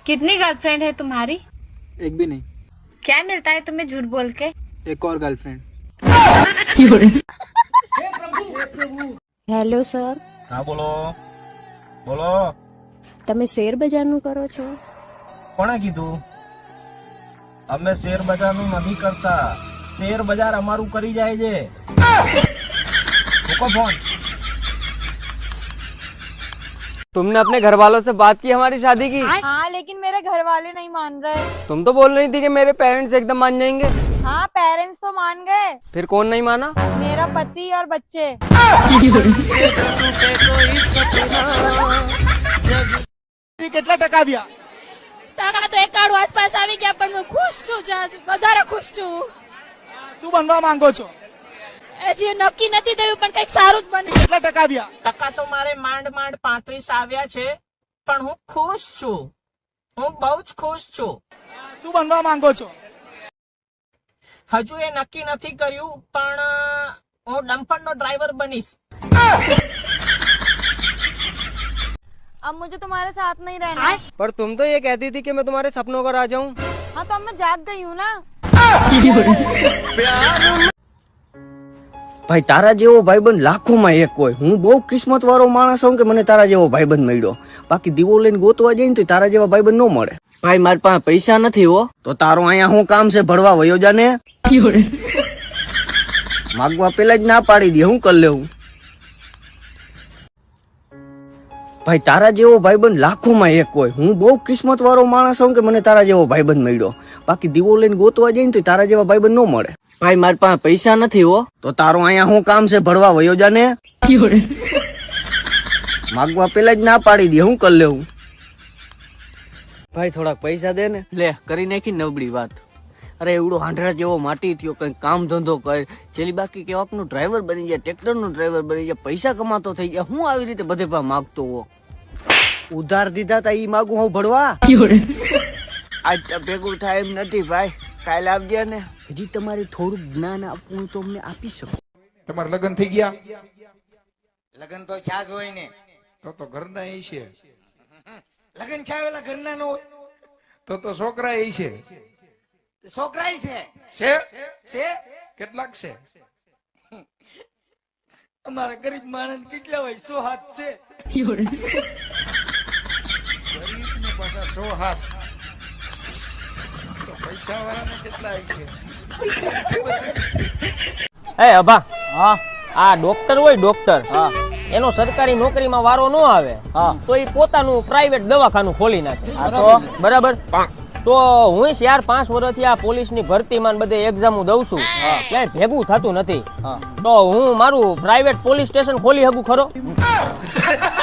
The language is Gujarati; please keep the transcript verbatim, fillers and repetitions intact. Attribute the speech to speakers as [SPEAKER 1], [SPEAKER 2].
[SPEAKER 1] कितनी गर्लफ्रेंड है तुम्हारी?
[SPEAKER 2] एक भी नहीं।
[SPEAKER 1] क्या मिलता है तुम्हें झूठ बोल के?
[SPEAKER 2] एक और गर्लफ्रेंड।
[SPEAKER 3] હેલો સર,
[SPEAKER 4] હા બોલો બોલો.
[SPEAKER 3] તમે શેર બજારનું કરો છો?
[SPEAKER 4] કોણે કીધું? અમે શેર બજારનું નથી કરતા, શેર બજાર અમારું કરી જાય છે. મૂકો ફોન.
[SPEAKER 5] तुमने अपने घर वालों से बात की हमारी शादी की?
[SPEAKER 6] हाँ, लेकिन मेरे घर वाले नहीं मान रहे।
[SPEAKER 5] तुम तो बोल रही थी कि मेरे पेरेंट्स एकदम मान जाएंगे।
[SPEAKER 6] हाँ, पेरेंट्स तो मान गए।
[SPEAKER 5] फिर कौन नहीं माना?
[SPEAKER 6] मेरा पति और बच्चे।
[SPEAKER 2] કેટલા ટકા આવ્યા?
[SPEAKER 7] ટકા તો એકાણું આસપાસ આવી ગયા, પણ હું ખુશ છું, વધારે ખુશ છું.
[SPEAKER 2] શું બનવા માંગો છો?
[SPEAKER 7] હજી નક્કી નથી થયું, પણ કઈક સારું જ બને.
[SPEAKER 2] કેટલા ટકા આવ્યા?
[SPEAKER 4] ટકા તો મારે માંડ માંડ પાંત્રીસ આવ્યા છે, પણ હું ખુશ છું, હું બહુ જ ખુશ છું.
[SPEAKER 2] શું બનવા માંગો છો?
[SPEAKER 4] હજુ એ નક્કી નથી કર્યું, પણ હું ડમ્પરનો ડ્રાઈવર બનીશ.
[SPEAKER 6] अब मुझे तुम्हारे साथ नहीं रहना।
[SPEAKER 5] पर तुम तो ये कहती थी कि मैं तुम्हारे सपनों का राजा हूँ।
[SPEAKER 6] हाँ, तो अब मैं जाग गई हूँ ना।
[SPEAKER 8] ભાઈ તારા જેવો ભાઈબંધ લાખોમાં એક હોય. હું બહુ કિસ્મત વાળો માણસ હું કે મને તારા જેવો ભાઈબંધ મળ્યો. બાકી દીવો લઈને ગોતવા જાય ને તો તારા જેવા ભાઈબંધ ન મળે. ભાઈ મારી પાસે પૈસા નથી હો. તો તારો અહીંયા શું કામ છે? ભરવા વયો જાને. માગવા પેલા જ ના પાડી દે, હું કરી લેવું. ભાઈ તારા જેવો ભાઈબંધ લાખોમાં એક હોય. હું બહુ કિસ્મત વાળો માણસ હું કે મને તારા જેવો ભાઈબંધ મળ્યો. બાકી દીવો લઈને ગોતવા જાય ને તો તારા જેવા ભાઈબંધ ન મળે. ભાઈ મારી પાસે પૈસા નથી હો. તો તારો અહીંયા શું કામ છે? ભરવા વયો જાને. માગવા પેલા જ ના પાડી દે, હું કરી લેવું. ભાઈ થોડાક પૈસા દે ને. લે કરી નાખી નબળી વાત. અરે એવડો હાંડરા જેવો માટી થયો, કઈ કામ ધંધો કર, છેલ્લી બાકી કેવાક નું ડ્રાઈવર બની જાય, ટ્રેક્ટર નું ડ્રાઈવર બની જાય, પૈસા કમાતો થઈ ગયા. હું આવી રીતે બધે પા માગતો હો. ઉધાર દીધા તા ઈ માગું હું ભરવા? આજ ભેગું થાય એમ નથી ભાઈ. કાલે આવજે ને. હજી તમારે થોડુંક જ્ઞાન આપવું તો અમને આપી શકો.
[SPEAKER 9] તમારા લગ્ન થઈ ગયા?
[SPEAKER 10] લગ્ન તો છાસ હોય ને.
[SPEAKER 9] તો તો ઘરના એ છે.
[SPEAKER 10] લગ્ન છાવેલા ઘરના નો હોય
[SPEAKER 9] તો તો છોકરા એ છે.
[SPEAKER 10] છોકરા છે
[SPEAKER 9] છે
[SPEAKER 10] છે
[SPEAKER 9] કેટલાક છે?
[SPEAKER 10] અમારા ગરીબ માણસ કેટલા હોય? સો હાથ છે.
[SPEAKER 9] ગરીબ ને પાછા સો હાથ. તો પૈસા વાળાને કેટલા છે?
[SPEAKER 11] એ અભા, હા, આ ડોક્ટર હોય ડોક્ટર, હા, એનો સરકારી નોકરીમાં વારો ન આવે, હા, તો એ પોતાનું પ્રાઇવેટ દવાખાનું ખોલી નાખે. બરાબર. તો હું ચાર પાંચ વર્ષથી આ પોલીસની ભરતીમાં બધે એક્ઝામો દઉં છું, ક્યાંય ભેગું થતું નથી. તો હું મારું પ્રાઇવેટ પોલીસ સ્ટેશન ખોલી શકું ખરો?